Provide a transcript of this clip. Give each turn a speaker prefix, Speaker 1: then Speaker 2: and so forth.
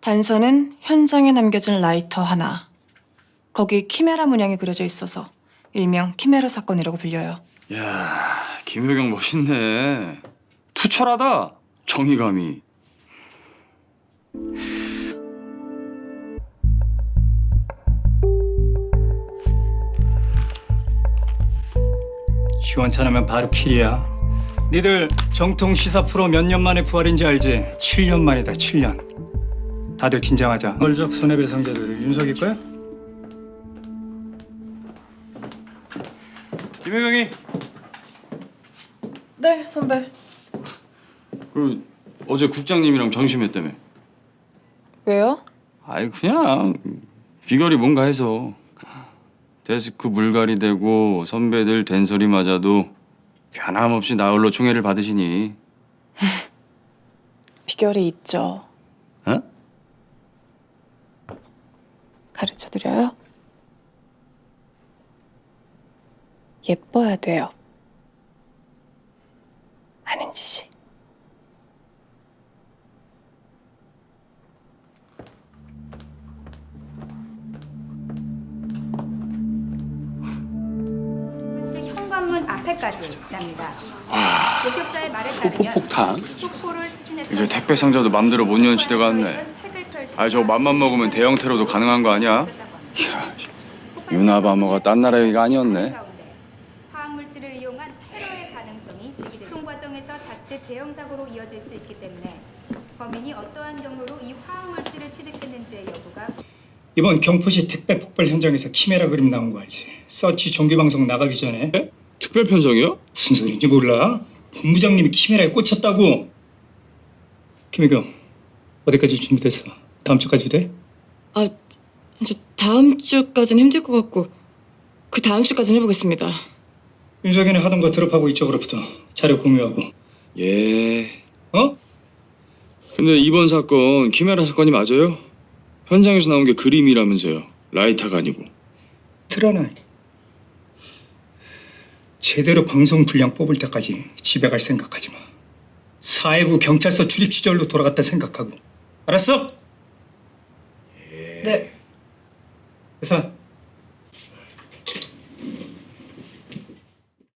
Speaker 1: 단서는 현장에 남겨진 라이터 하나. 거기 키메라 문양이 그려져 있어서 일명 키메라 사건이라고 불려요.
Speaker 2: 야, 김효경 멋있네. 투철하다. 정의감이.
Speaker 3: 시원찮으면 바로 킬이야. 니들 정통 시사 프로 몇 년 만에 부활인지 알지? 7년 만이다, 7년. 다들 긴장하자. 얼적 손해배상자들 윤석일 거야?
Speaker 2: 김효경이.
Speaker 1: 네, 선배.
Speaker 2: 그 어제 국장님이랑 점심했다며.
Speaker 1: 왜요?
Speaker 2: 아이 그냥 비결이 뭔가 해서. 데스크 물갈이 되고 선배들 된소리 맞아도 변함없이 나홀로 총애를 받으시니.
Speaker 1: 비결이 있죠.
Speaker 2: 어?
Speaker 1: 가르쳐드려요? 예뻐야 돼요. 하는 짓이.
Speaker 4: 현관문 앞에까지 납니다. 목격자의 말에 따르면
Speaker 2: 폭탄?
Speaker 4: 폭포를 수신해서
Speaker 2: 이제 택배 상자도 맘대로 못 여는 시대가 왔네. 아이 저거 맘만 먹으면 대형 테러도 가능한 거 아니야? 유나바머가 딴 나라 얘기가 아니었네.
Speaker 4: 화학물질을 이용한 테러의 가능성이 제기됩니다. 총 과정에서 자체 대형 사고로 이어질 수 있기 때문에 범인이 어떠한 경로로 이 화학물질을 취득했는지의 여부가
Speaker 3: 이번 경포시 택배 폭발 현장에서 키메라 그림 나온 거 알지? 서치 정기방송 나가기 전에
Speaker 2: 특별 편성이요?
Speaker 3: 무슨 소리인지 몰라? 본부장님이 키메라에 꽂혔다고. 김혜경, 어디까지 준비됐어? 다음 주까지 돼?
Speaker 1: 아, 저 다음 주까지는 힘들 것 같고 그 다음 주까지는 해보겠습니다.
Speaker 3: 윤석이네 하던 거 드롭하고 이쪽으로부터 자료 공유하고.
Speaker 2: 예.
Speaker 3: 어?
Speaker 2: 근데 이번 사건 키메라 사건이 맞아요? 현장에서 나온 게 그림이라면서요. 라이터가 아니고.
Speaker 3: 틀어놔. 제대로 방송 분량 뽑을 때까지 집에 갈 생각하지 마. 사회부 경찰서 출입 시절로 돌아갔다 생각하고. 알았어?
Speaker 1: 네.
Speaker 3: 회사